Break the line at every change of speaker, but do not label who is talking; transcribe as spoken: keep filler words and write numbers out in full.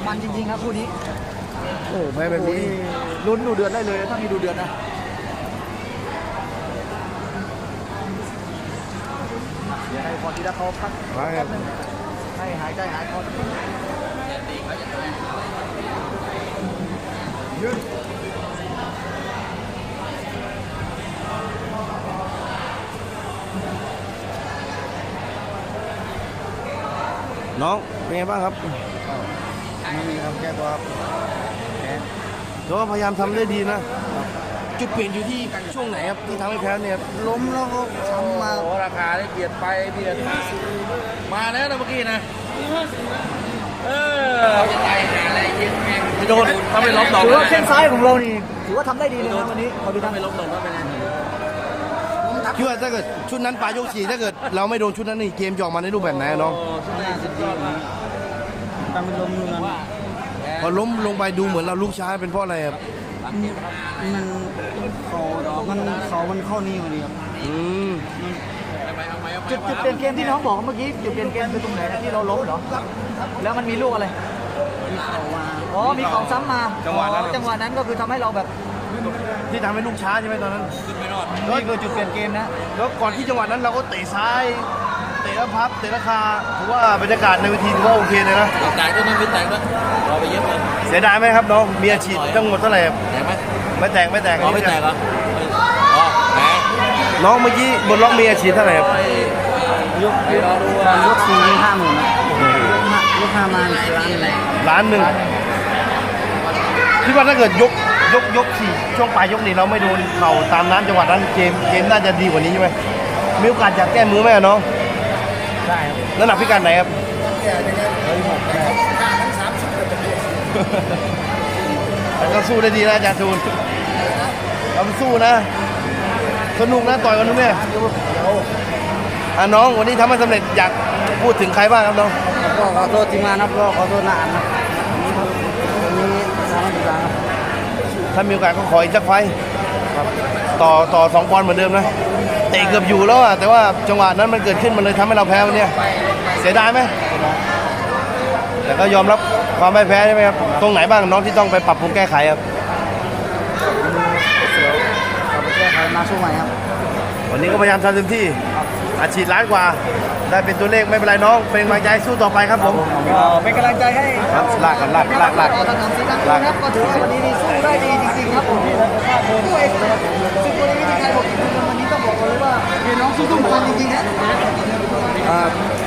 มันจริงๆครับคู่นี้
โอ้แพ้แบบนี้
ลุ้นดูเดือดได้เลยถ้ามีดูเดือดนะเดี๋ยวให้พอทีละเขาพักแป๊บนึงให้หายใจหายคอยืด
น้องเป็นไงบ้างครับ
ไม่มีครับแก้ตัวครับ
แต่ว่าพยายามทำได้ดีนะจุดเปลี่ยนอยู่ที่ช่วงไหนครับที่ทำให้แพ้เนี่ย
ล้มแล้วก็ช้ำมา
ราคาได้เบียดไปเบียดมาแล้วนะเมื่อกี้นะเออจะตายหาอะไรเย็นแม่งไม่โดนถ้าไม่ล้มดอก
ถือว่าแข้งซ้ายของเรานี่ถือว่าทำได้ดีเลยนะวันนี้ขอดูนะ
ไม่ล้มดอกก็เป็นไง
คิดว่าถ้าเกิดชุดนั้นปลายยกสี่ถ้าเกิดเราไม่โดนชุดนั้นนี่เกมจะออกมาในรูปแบบไหนน้อง
ชุดนั้นสุดยอดมาก
ตามเป็นลมนู่นนั่น
พอล้มลงไปดูเหมือนเราลุกช้าเป็นเพราะอะไรครับ
มันเขามันเขามันเข้านี่พอดีครับ
อืม
จุดจุดเปลี่ยนเกมที่น้องบอกเมื่อกี้จุดเปลี่ยนเกมคือตรงไหนที่เราล้มเหรอแล้วมันมีลูกอะไรมีเข่ามาอ๋อมีเข่าซ้ำมาจังหวะนั้นจังหวะนั้นก็คือทำให้เราแบบ
ที่ทำให้ลูกช้าใช่ไหมตอนนั้น
ขึ้นไม่รอด
นี่คือจุดเปลี่ยนเกมนะ
แล้วก่อนที่จังหวะนั้นเราก็เตะซ้ายเตะแล้วพับเตะราคาถือว่าบรรยากาศในเวทีถือว่าโอเคเลยนะ
แตกก็ไม่แตกก็รอไปเยอะเลย
เสียดายไหมครับน้องมีอาชีพทั้งหมดเท่าไหร่
แตกไหม
ไม่แตกไม่แตก
ไม่แตกเหรออ๋อแตก
น้องเมื่อกี้บนล็อกมีอาชีพเท่าไหร่ครับ
ยกยกยกสี่ห้าหมื่นยกห้ามาล้าน
ล้านหนึ่งคิดว่าถ้าเกิดยกยกยกสี่ช่วงปลายยกนี้เราไม่โดนเข่าตามนั้นจังหวะนั้นเกมเกมน่าจะดีกว่านี้ใช่ไหมมีโอกาสอยากแก้มือไหมน้อง
ใช่ครับ
น้ำหนักพิการไหนครับแต่ก็สู้ได้ดีนะอาจารย์ทูลเราสู้นะสนุกนะต่อยกันทุกแม่อ่ะน้องวันนี้ทำให้สำเร็จอยากพูดถึงใครบ้างครับน้อง
ก็ขอโทษทีมงานครับก็ขอโทษนานนะวันนี้ทำให้ดีครับ
ถ้ามีโอกาสก็ขออีกสักไฟต่อต่อสองปอนด์เหมือนเดิมนะเตะเกือบอยู่แล้วอะแต่ว่าจังหวะนั้นมันเกิดขึ้นมันเลยทำให้เราแพ้วันนี้เสียดายไหมแต่ก็ยอมรับความไม่แพ้ใช่ไหมครับตรงไหนบ้างน้องที่ต้องไปปรับปรุงแก้ไขครับ
เสียวกลับไปแก้ไขมาสู้ใหม่ครับ
วันนี้ก็พยายามทำเต็มที่อาชีพล้านกว่าได้เป็นตัวเลขไม่เป็นไรน้องเป็นกำลังใจสู้ต่อไปครับผม
เป็นกำลังใจให้
ครับลากกันลากลากลาก
ถนนสีลังกาครับก็ถือว่าวันนี้นี่สู้ได้ดีจริงๆครับผมด้วยซึ่งตัวนี้ที่ใครบอกอีกคนวันนี้ต้องบอกเลยว่าเห็นน้องสู้ทุกคนจริงๆนะ